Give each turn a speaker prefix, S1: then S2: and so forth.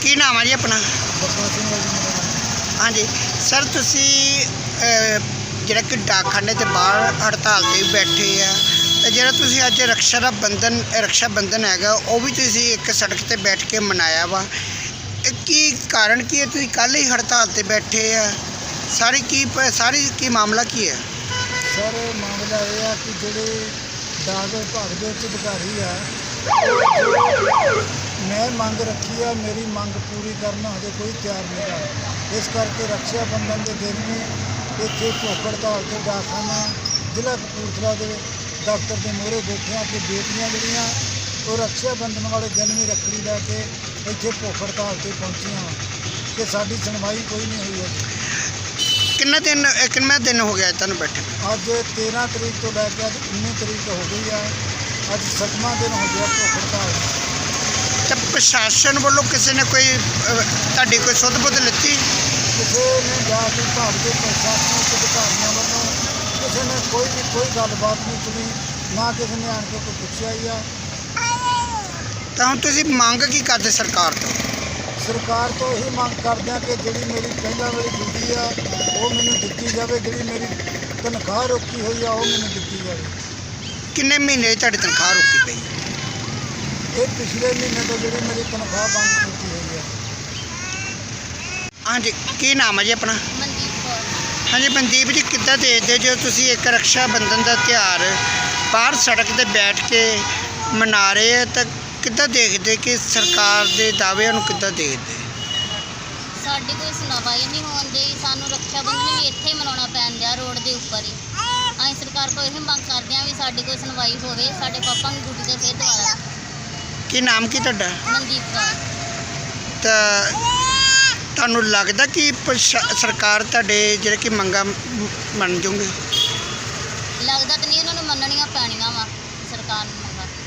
S1: ਕੀ ਨਾਮ ਹੈ ਜੀ ਆਪਣਾ?
S2: ਬਖਸ਼ ਸਿੰਘ ਹੈ ਜੀ ਮੇਰਾ ਨਾਮ।
S1: ਹਾਂਜੀ ਸਰ, ਤੁਸੀਂ ਜਿਹੜਾ ਕਿ ਡਾਕਖਾਨੇ ਦੇ ਬਾਹਰ ਹੜਤਾਲ 'ਤੇ ਬੈਠੇ ਆ, ਤੇ ਜਿਹੜਾ ਤੁਸੀਂ ਅੱਜ ਰਕਸ਼ਾ ਬੰਧਨ ਹੈਗਾ ਉਹ ਵੀ ਤੁਸੀਂ ਇੱਕ ਸੜਕ 'ਤੇ ਬੈਠ ਕੇ ਮਨਾਇਆ ਵਾ, ਇਹ ਕੀ ਕਾਰਨ ਕੀ ਹੈ? ਤੁਸੀਂ ਕੱਲ੍ਹ ਹੀ ਹੜਤਾਲ 'ਤੇ ਬੈਠੇ ਆ, ਸਾਰੀ ਕੀ ਮਾਮਲਾ ਕੀ ਹੈ?
S2: ਸਰ ਮਾਮਲਾ ਇਹ ਆ ਕਿ ਜਿਹੜੇ ਡਾਕ ਵਿਭਾਗ ਦੇ ਉੱਚ ਅਧਿਕਾਰੀ ਆ, ਮੈਂ ਮੰਗ ਰੱਖੀ ਆ, ਮੇਰੀ ਮੰਗ ਪੂਰੀ ਕਰਨ ਹਜੇ ਕੋਈ ਤਿਆਰ ਨਹੀਂ ਗਾ। ਇਸ ਕਰਕੇ ਰਕਸ਼ਾ ਬੰਧਨ ਦੇ ਦਿਨ ਨੂੰ ਇੱਥੇ ਭੁੱਖ ਹੜਤਾਲ 'ਤੇ ਡਾਕਖਾਨਾ ਜ਼ਿਲ੍ਹਾ ਕਪੂਰਥਲਾ ਦੇ ਦਫ਼ਤਰ ਦੇ ਮੂਹਰੇ ਬੈਠਿਆਂ ਕਿ ਬੇਟੀਆਂ ਜਿਹੜੀਆਂ ਉਹ ਰਕਸ਼ਾ ਬੰਧਨ ਵਾਲੇ ਦਿਨ ਵੀ ਰੱਖੜੀ ਲੈ ਕੇ ਇੱਥੇ ਭੁੱਖ ਹੜਤਾਲ 'ਤੇ ਪਹੁੰਚੀਆਂ ਕਿ ਸਾਡੀ ਸੁਣਵਾਈ ਕੋਈ ਨਹੀਂ ਹੋਈ ਹੈ।
S1: ਕਿੰਨਾ ਦਿਨ ਹੋ ਗਿਆ ਤੁਹਾਨੂੰ ਬੈਠੇ?
S2: ਅੱਜ 13 ਤਰੀਕ ਤੋਂ ਲੈ ਕੇ ਅੱਜ 19 ਤਰੀਕ ਹੋ ਗਈ ਆ। ਅੱਜ 7ਵਾਂ ਦਿਨ ਹੋ ਗਿਆ ਭੁੱਖ ਹੜਤਾਲ।
S1: ਤਾਂ ਪ੍ਰਸ਼ਾਸਨ ਵੱਲੋਂ ਕਿਸੇ ਨੇ ਤੁਹਾਡੀ ਕੋਈ ਸੁੱਧ ਬੁੱਧ ਲਿੱਤੀ?
S2: ਕਿਸੇ ਨੇ ਜਾ ਕੇ ਵਿਭਾਗ ਦੇ ਪ੍ਰਸ਼ਾਸਨਿਕ ਅਧਿਕਾਰੀਆਂ ਵੱਲੋਂ ਕਿਸੇ ਨੇ ਕੋਈ ਗੱਲਬਾਤ ਨਹੀਂ ਸੁਣੀ, ਨਾ ਕਿਸੇ ਨੇ ਆਣ ਕੇ ਕੋਈ ਪੁੱਛਿਆ ਹੀ ਆ।
S1: ਤਾਂ ਹੁਣ ਤੁਸੀਂ ਮੰਗ ਕੀ ਕਰਦੇ ਸਰਕਾਰ ਤੋਂ?
S2: ਸਰਕਾਰ ਤੋਂ ਇਹੀ ਮੰਗ ਕਰਦੇ ਆ ਕਿ ਜਿਹੜੀ ਮੇਰੀ ਪਹਿਲਾਂ ਵਾਲੀ ਡਿਊਟੀ ਆ ਉਹ ਮੈਨੂੰ ਦਿੱਤੀ ਜਾਵੇ, ਜਿਹੜੀ ਮੇਰੀ ਤਨਖਾਹ ਰੋਕੀ ਹੋਈ ਆ ਉਹ ਮੈਨੂੰ ਦਿੱਤੀ ਜਾਵੇ।
S1: ਕਿੰਨੇ ਮਹੀਨੇ ਤੁਹਾਡੀ ਤਨਖਾਹ ਰੋਕੀ ਪਈ?
S2: ਇਹ ਪਿਛਲੇ ਮਹੀਨੇ ਤੋਂ ਜਿਹੜੀ ਮੇਰੀ ਤਨਖਾਹ ਬੰਦ ਕੀਤੀ ਹੋਈ ਹੈ।
S1: ਹਾਂਜੀ, ਕੀ ਨਾਮ ਹੈ ਜੀ ਆਪਣਾ?
S3: ਮਨਦੀਪ ਕੌਰ।
S1: ਹਾਂਜੀ ਮਨਦੀਪ ਜੀ, ਕਿੱਦਾਂ ਦੇਖਦੇ ਜੋ ਤੁਸੀਂ ਇੱਕ ਰਕਸ਼ਾ ਬੰਧਨ ਦਾ ਤਿਉਹਾਰ ਬਾਹਰ ਸੜਕ 'ਤੇ ਬੈਠ ਕੇ ਮਨਾ ਰਹੇ ਆ, ਤਾਂ ਕਿੱਦਾਂ ਦੇਖਦੇ ਕਿ ਸਰਕਾਰ ਦੇ ਦਾਅਵਿਆਂ ਨੂੰ ਕਿੱਦਾਂ ਦੇਖਦੇ?
S3: ਸਾਡੀ ਕੋਈ ਸੁਣਵਾਈ ਨਹੀਂ ਹੋਣ ਡਈ, ਸਾਨੂੰ ਰਕਸ਼ਾ ਬੰਧਨ ਵੀ ਇੱਥੇ ਹੀ ਮਨਾਉਣਾ ਪੈਣ ਡਿਆ, ਰੋਡ ਦੇ ਉੱਪਰ ਹੀ। ਅਸੀਂ ਸਰਕਾਰ ਕੋਲ ਇਹ ਮੰਗ ਕਰਦੇ ਹਾਂ ਵੀ ਸਾਡੀ ਕੋਈ ਸੁਣਵਾਈ ਹੋਵੇ, ਸਾਡੇ ਪਾਪਾ ਨੂੰ ਡਿਊਟੀ 'ਤੇ ਫਿਰ ਦੁਬਾਰਾ।
S1: ਕੀ ਨਾਮ ਕੀ ਤੁਹਾਡਾ?
S3: ਮਨਦੀਪ ਕੌਰ।
S1: ਤਾਂ ਤੁਹਾਨੂੰ ਲੱਗਦਾ ਕਿ ਸਰਕਾਰ ਤੁਹਾਡੇ ਜਿਹੜੇ ਕਿ ਮੰਗਾਂ ਮੰਨ ਜੂਗੇ?
S3: ਲੱਗਦਾ ਤਾਂ ਨਹੀਂ, ਉਹਨਾਂ ਨੂੰ ਮੰਨਣੀਆਂ ਪੈਣੀਆਂ ਵਾ ਸਰਕਾਰ ਨੂੰ ਮੰਗਾਂ।